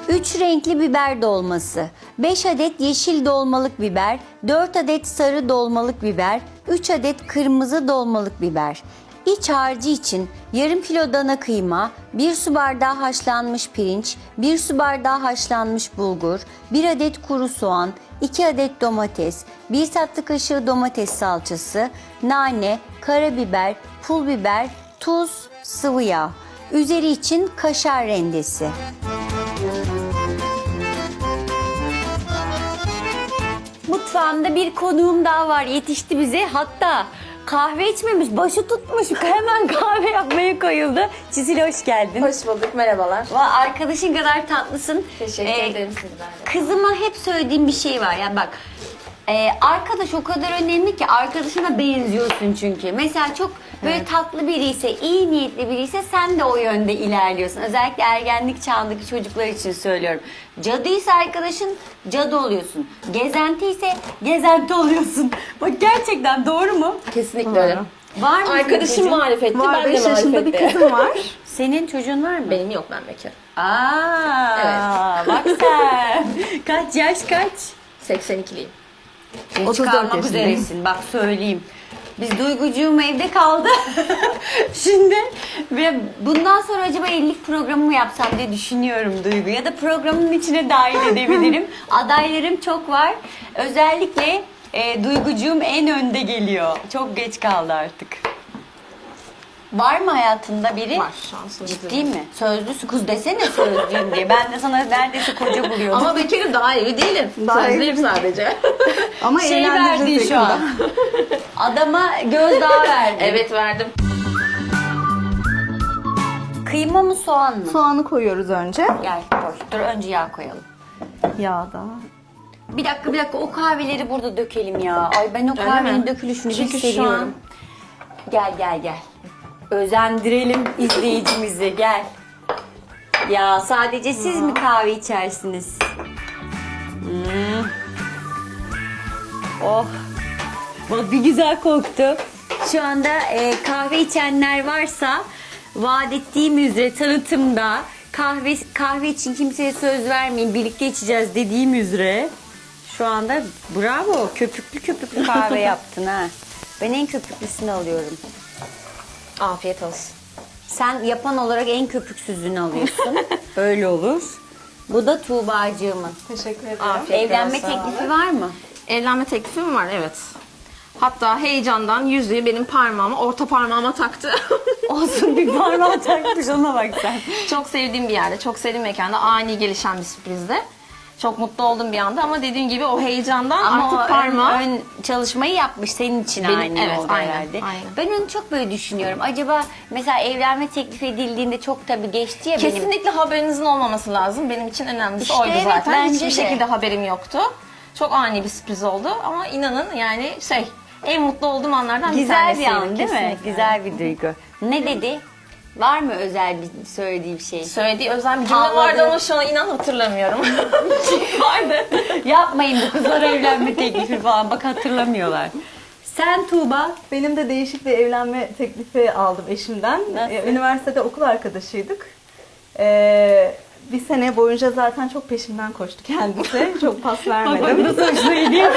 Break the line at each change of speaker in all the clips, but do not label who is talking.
3 renkli biber dolması, 5 adet yeşil dolmalık biber, 4 adet sarı dolmalık biber, 3 adet kırmızı dolmalık biber. İç harcı için yarım kilo dana kıyma, 1 su bardağı haşlanmış pirinç, 1 su bardağı haşlanmış bulgur, 1 adet kuru soğan, 2 adet domates, 1 tatlı kaşığı domates salçası, nane, karabiber, pul biber, tuz, sıvı yağ. Üzeri için kaşar rendesi. Mutfağımda bir konuğum daha var. Yetişti bize. Hatta kahve içmemiş, başı tutmuş. Hemen kahve yapmaya koyuldu. Çisil hoş geldin.
Hoş bulduk, merhabalar.
Arkadaşın kadar tatlısın.
Teşekkür ederim sizler de.
Kızıma hep söylediğim bir şey var. Yani bak, arkadaş o kadar önemli ki, arkadaşına benziyorsun çünkü. Mesela çok böyle tatlı biri ise, iyi niyetli biri ise sen de o yönde ilerliyorsun. Özellikle ergenlik çağındaki çocuklar için söylüyorum. Cadıysa arkadaşın, cadı oluyorsun. Gezenti ise gezenti oluyorsun. Bak gerçekten doğru mu?
Kesinlikle öyle.
Var mı?
Arkadaşım marifetli, ben de
5 yaşında bir
marifetli.
kızım var.
Senin çocuğun var mı?
Benim yok, ben bekarım.
Bak sen. Kaç yaş kaç?
82'liyim.
Geç
34
kalmak
yaşındayım.
üzeresin. Bak söyleyeyim. Biz Duygucuğum evde kaldı. Şimdi ve bundan sonra acaba evlilik programı mı yapsam diye düşünüyorum Duygu. Ya da programın içine dahil edebilirim. Adaylarım çok var. Özellikle Duygucuğum en önde geliyor. Çok geç kaldı artık. Var mı hayatında biri?
Var şu an sözlü.
Ciddi mi? Sözlüsü kız desene sözlüyüm diye. Ben de sana neredeyse koca buluyordum.
Ama bekarım, daha evli değilim.
Daha
Sözlüyüm sadece.
Ama
şey
evlendireceğiz
verdin şu an. Adama gözdağı verdin.
Evet, verdim.
Kıyma mı soğan mı?
Soğanı koyuyoruz önce.
Gel koy. Dur önce yağ koyalım.
Yağda.
Bir dakika o kahveleri burada dökelim ya. Ay ben o
Öyle
kahvenin
mi?
dökülüşünü
Çünkü şu
hissediyorum. Gel. Özendirelim izleyicimizi gel. Ya sadece siz mi kahve içersiniz? Oh. Bak bir güzel koktu. Şu anda kahve içenler varsa vaat ettiğim üzere tanıtımda kahve için kimseye söz vermeyin, birlikte içeceğiz dediğim üzere şu anda bravo, köpüklü kahve yaptın ha. Ben en köpüklüsünü alıyorum.
Afiyet olsun.
Sen yapan olarak en köpüksüzünü alıyorsun. Öyle olur. Bu da Tuğbacığımın.
Teşekkür ederim.
Afiyet
Evlenme
olsun.
teklifi var mı?
Evlenme teklifim var, evet. Hatta heyecandan yüzüğü benim parmağıma, orta parmağıma taktı.
Olsun, bir parmağı takmış, ona bak sen.
Çok sevdiğim bir yerde, çok sevdiğim mekanda, ani gelişen bir sürprizde. Çok mutlu oldum bir anda ama dediğim gibi o heyecandan
Ama
artık
o
parmağı...
ön çalışmayı yapmış senin için
Benim-
aynı
evet,
oldu
aynen,
herhalde.
aynen.
Ben onu çok böyle düşünüyorum. Acaba mesela evlenme teklif edildiğinde çok tabii geçti ya benim.
Kesinlikle haberinizin olmaması lazım. Benim için önemlisi
İşte
oydu
evet,
zaten.
bence
Hiçbir
de.
şekilde haberim yoktu. Çok ani bir sürpriz oldu ama inanın yani en mutlu olduğum anlardan bir
Güzel
tanesiydi.
bir an değil mi?
Kesinlikle.
Güzel bir duygu. Ne dedi? Var mı özel bir söylediği bir şey?
Söylediği özel bir cümle
Havladı.
vardı ama şu an inan hatırlamıyorum. Vardı.
Yapmayın bu kızlar evlenme teklifi falan. Bak hatırlamıyorlar. Sen Tuğba.
Benim de değişik bir evlenme teklifi aldım eşimden.
Nasıl?
Üniversitede okul arkadaşıydık. Bir sene boyunca zaten çok peşimden koştu kendisi. Çok pas vermedim.
Nasıl hoşuna gidiyor?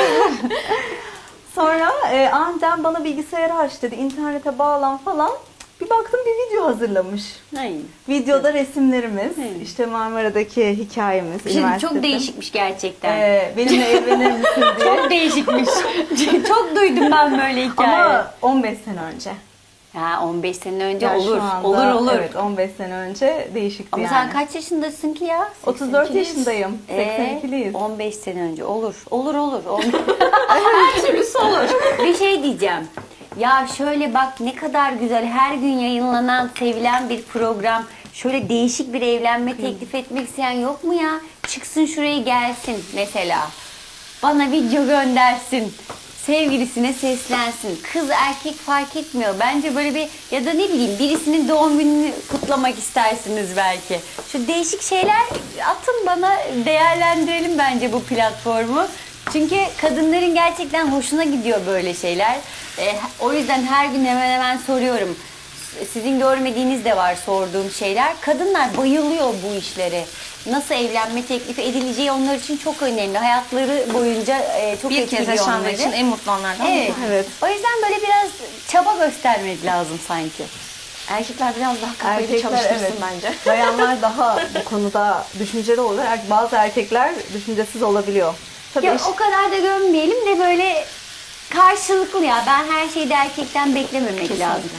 Sonra aniden bana bilgisayarı aç dedi. İnternete bağlan falan. Bir baktım bir video hazırlamış.
Hayır.
Videoda resimlerimiz,
Hı.
işte Marmara'daki hikayemiz,
Şimdi
üniversitede.
çok değişikmiş gerçekten.
Benimle evlenir misin diye.
Çok değişikmiş. Çok duydum ben böyle hikaye.
Ama 15 sene önce.
Ha 15 sene önce
Yani
olur.
şu anda,
Olur.
Evet 15 sene önce değişikti
Ama
yani.
sen kaç yaşındasın ki ya?
34
82'liyiz.
yaşındayım. 82'liyiz.
15 sene önce olur. Olur.
Her türlüsü olur.
Bir şey diyeceğim. Ya şöyle bak ne kadar güzel, her gün yayınlanan, sevilen bir program. Şöyle değişik bir evlenme teklif etmek isteyen yok mu ya? Çıksın şuraya gelsin mesela. Bana video göndersin. Sevgilisine seslensin. Kız erkek fark etmiyor. Bence böyle bir, ya da ne bileyim birisinin doğum gününü kutlamak istersiniz belki. Şu değişik şeyler atın bana, değerlendirelim bence bu platformu. Çünkü kadınların gerçekten hoşuna gidiyor böyle şeyler. O yüzden her gün hemen soruyorum. Sizin görmediğiniz de var sorduğum şeyler. Kadınlar bayılıyor bu işlere. nasıl evlenme teklifi edileceği onlar için çok önemli. Hayatları boyunca çok
Bir kez
etkiliyor
yaşanmak
onları.
için en mutlu anlardan
Evet.
biri.
Evet.
O yüzden böyle biraz çaba göstermek lazım sanki.
Erkekler biraz daha kafayı
Erkekler
çalıştırsın
evet.
bence.
Bayanlar daha bu konuda düşünceli olur. Bazı erkekler düşüncesiz olabiliyor. Tabii
Ya o kadar da gömmeyelim de böyle karşılıklı ya. Ben her şeyi de erkekten beklememek lazım.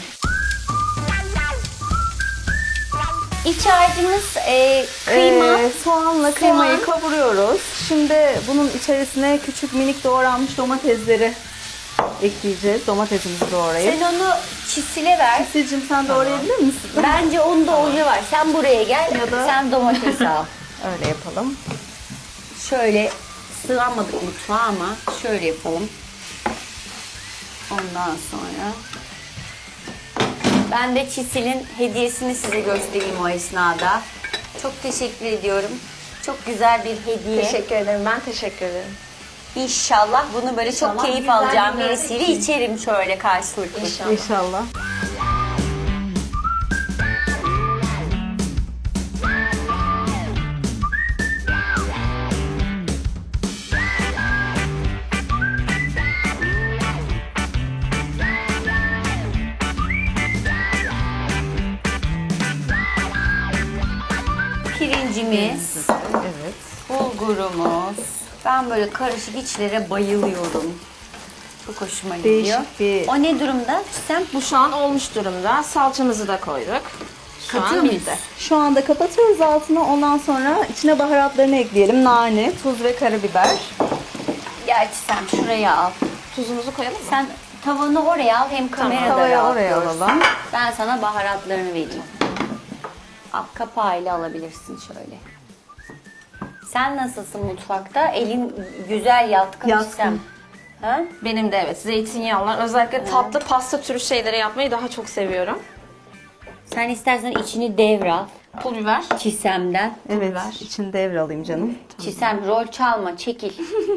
İç harcımız kıyma.
Soğanla kıymayı kavuruyoruz. Şimdi bunun içerisine küçük minik doğranmış domatesleri ekleyeceğiz. Domatesimizi doğrayıp.
Sen onu çisile ver.
Sizcim sen doğrayabilir misin?
Bence onda oje var. Sen buraya gel.
Ya da-
Sen domates al.
Öyle yapalım.
Şöyle sığamadık mutfağa ama şöyle yapalım. Ondan sonra ben de Çisil'in hediyesini size göstereyim o esnada. Çok teşekkür ediyorum. Çok güzel bir hediye.
Teşekkür ederim. Ben teşekkür ederim.
İnşallah bunu böyle çok
İnşallah
keyif
güzel
alacağım
günlerde
birisiyle
için.
içerim şöyle karşılıklı.
İnşallah.
İnşallah.
Pirincimiz,
Evet.
bulgurumuz. Ben böyle karışık içlere bayılıyorum. Çok hoşuma gidiyor.
Değişik bir-
O ne durumda? Sen
Bu şu an olmuş durumda. Salçamızı da koyduk. Şu
Katıyor
an
muyuz?
bitti.
Şu anda kapatıyoruz altını. Ondan sonra içine baharatlarını ekleyelim. Nane, tuz ve karabiber.
gerçi sen şuraya al.
Tuzumuzu koyalım mı?
Sen tavanı oraya al hem kamerada
Tavayı
rahat
oraya
görsün.
alalım.
Ben sana baharatlarını vereyim. Al, kapağıyla alabilirsin şöyle. Sen nasılsın mutfakta? Elin güzel yatkın
Yatkın.
istem. Ha?
Benim de evet zeytinyağlar. Özellikle tatlı pasta türü şeyleri yapmayı daha çok seviyorum.
Sen istersen içini devral.
Pul biber.
Çisemden.
Evet,
biber.
içini devralayım canım.
Çisem rol çalma, çekil.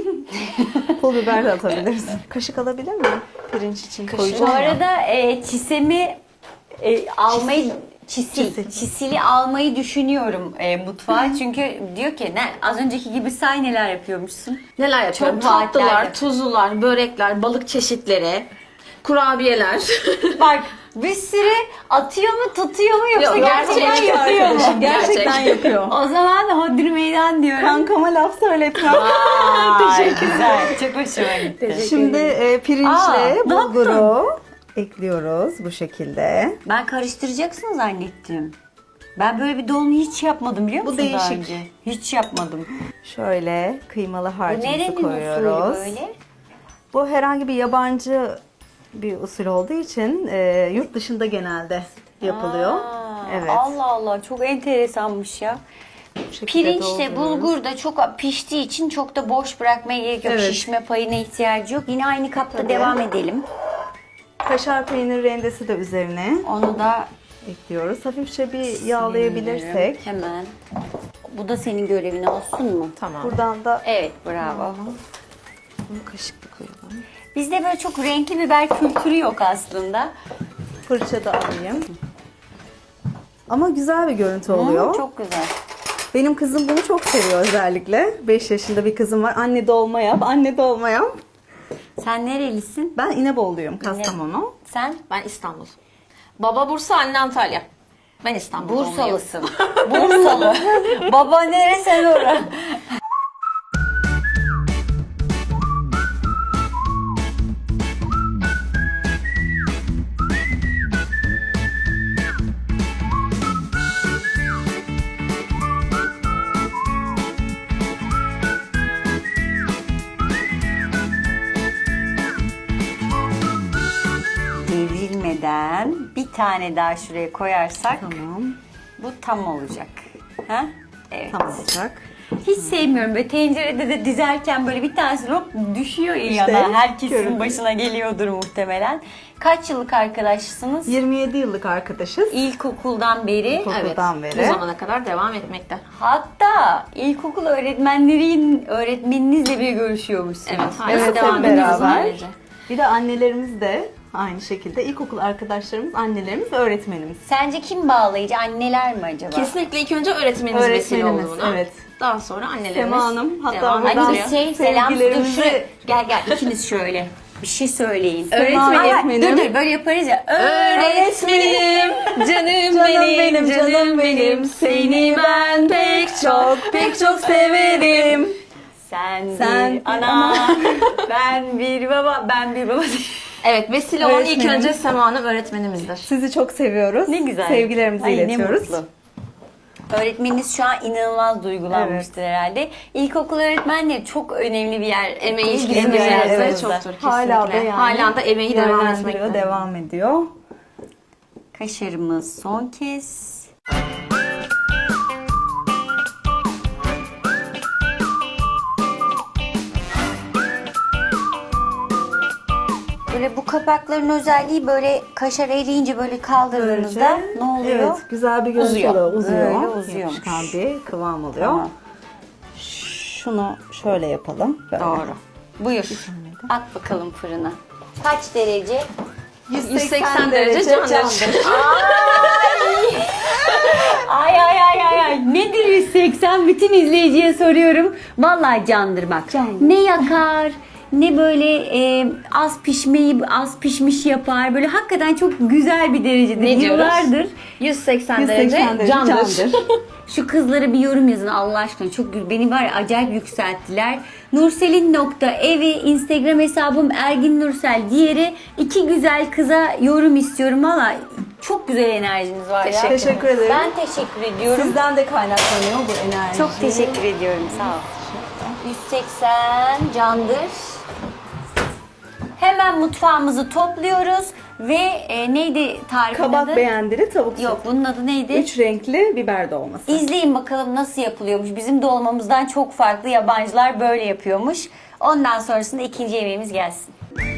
Pul biber de atabilirsin. Kaşık alabilir miyim? Pirinç için
Bu
koyacağım ya.
arada çisemi almayı çisili almayı düşünüyorum mutfağa. Çünkü diyor ki ne az önceki gibi say neler yapıyormuşsun.
Neler yapıyorum?
Çok vaatler
Tatlılar,
yap-
tuzlular, börekler, balık çeşitleri, kurabiyeler.
Bak bir sürü atıyor mu tutuyor mu yoksa
Yok,
gerçekten
gerçek
yapıyor mu?
arkadaşım,
Gerçekten
gerçek.
yapıyor.
O zaman hodri meydan diyorum.
Kankama laf söyletmem.
Teşekkür güzel. Çok hoşuma gitti.
Şimdi pirinçle
Aa, ne
bulguru ekliyoruz bu şekilde.
Ben karıştıracaksın zannettim. Ben böyle bir dolma hiç yapmadım biliyor
Bu
musun daha
değişik.
önce? Hiç yapmadım.
Şöyle kıymalı
Bu
harcımızı
nerenin usulü
koyuyoruz.
böyle?
Bu herhangi bir yabancı bir usul olduğu için yurt dışında genelde yapılıyor.
Aa,
Evet.
Allah Allah çok enteresanmış ya.
Bu şekilde
Pirinçle
dolduruyoruz.
bulgur da çok piştiği için çok da boş bırakmaya gerek yok.
Evet.
Şişme payına ihtiyacı yok. Yine aynı kapta
Tabii.
devam edelim.
Kaşar peynir rendesi de üzerine
Onu da
ekliyoruz. Hafifçe bir yağlayabilirsek.
hemen. Bu da senin görevin olsun mu?
Tamam.
Buradan da
Evet bravo.
bunu kaşıkla koyalım.
Bizde böyle çok renkli biber kültürü yok aslında.
Fırça da alayım. Ama güzel bir görüntü oluyor.
Çok güzel.
Benim kızım bunu çok seviyor özellikle. 5 yaşında bir kızım var. Anne dolma yap, anne dolma yap.
Sen nerelisin?
Ben İnebolu'yum, Kastamonu.
Sen?
Ben İstanbul. Baba Bursa, anne Antalya. Ben İstanbul doğumluyum.
Bursalısın. Bursalı. Baba nere sen ora? Devrilmeden bir tane daha şuraya koyarsak
Tamam,
bu tam olacak. Ha? Evet.
tam olacak.
Hiç sevmiyorum böyle tencerede de dizerken böyle bir tanesi hop düşüyor ya
İşte,
yana. Herkesin
görüntü.
başına geliyordur muhtemelen. Kaç yıllık arkadaşsınız?
27 yıllık arkadaşız.
İlkokuldan beri.
İlkokul. Okuldan
Bu
beri.
zamana kadar devam etmekte.
Hatta ilkokul öğretmeninizle bile görüşüyormuşsunuz.
Evet, hala
Evet,
devam
hep
ediyoruz
beraber.
böylece.
Bir de annelerimiz de Aynı şekilde ilkokul arkadaşlarımız, annelerimiz ve öğretmenimiz.
Sence kim bağlayıcı? Anneler mi acaba?
Kesinlikle ilk önce öğretmenimiz vesile oldu
Öğretmenimiz,
buna.
evet.
Daha sonra annelerimiz
Sema Hanım, hatta
devam
buradan-
Hadi
ettiriyor.
bir selam dur
sevgilerimizi-
şuraya. Gel ikiniz şöyle. Bir şey söyleyin.
Öğretmenim.
Dur böyle yaparız ya.
Öğretmenim, canım benim, seni ben pek çok severim.
Sen bir ana, ben bir baba, ben bir baba.
Evet, vesile olan ilk
Öğretmenim.
önce Sema Hanım öğretmenimizdir.
Sizi çok seviyoruz.
Ne güzel.
Sevgilerimizi
Ay, ne
iletiyoruz.
mutlu. Öğretmeniniz şu an inanılmaz duygulanmıştır herhalde. İlkokul öğretmenleri çok önemli bir yer.
Emeği
bizim
bizim
hayatımızda.
hayatımızda çoktur kesinlikle.
Hala da yani
Hala da emeği devam
yönlendiriyor,
etmekte.
devam ediyor.
Kaşarımız son kez. Böyle bu kapakların özelliği böyle kaşar eriyince böyle kaldırdığınızda ne oluyor?
Evet, güzel bir görüntü
Uzuyor.
oluyor. Uzuyor.
Böyle uzuyormuş.
Yapışkan bir kıvam oluyor.
Tamam.
Şunu şöyle yapalım. Böyle.
Doğru. Buyur. At bakalım fırına. Kaç derece?
180 derece candır.
Ay ay ay ay ay. Nedir 180? Bütün izleyiciye soruyorum. Vallahi candır bak. Ne yakar, ne böyle az pişmeyi az pişmiş yapar. Böyle hakikaten çok güzel bir derecedir.
Ne diyoruz?
Yıllardır
180
180
derece
derece
candır.
şu kızlara bir yorum yazın Allah aşkına. Çok beni var ya, acayip yükselttiler. Nurselin.evi Instagram hesabım Ergin Nursel. Diğeri iki güzel kıza yorum istiyorum. Valla çok güzel enerjiniz var ya.
Teşekkür ederim.
Ben teşekkür ediyorum.
Sizden de kaynaklanıyor bu enerji.
Çok teşekkür ediyorum. Sağ ol. 180 candır. Hemen mutfağımızı topluyoruz ve neydi tarifin
Kabak
adı?
beğendiri, tavuk
Yok, bunun adı neydi?
3 renkli biber dolması.
İzleyin bakalım nasıl yapılıyormuş. Bizim dolmamızdan çok farklı, yabancılar böyle yapıyormuş. Ondan sonrasında ikinci yemeğimiz gelsin.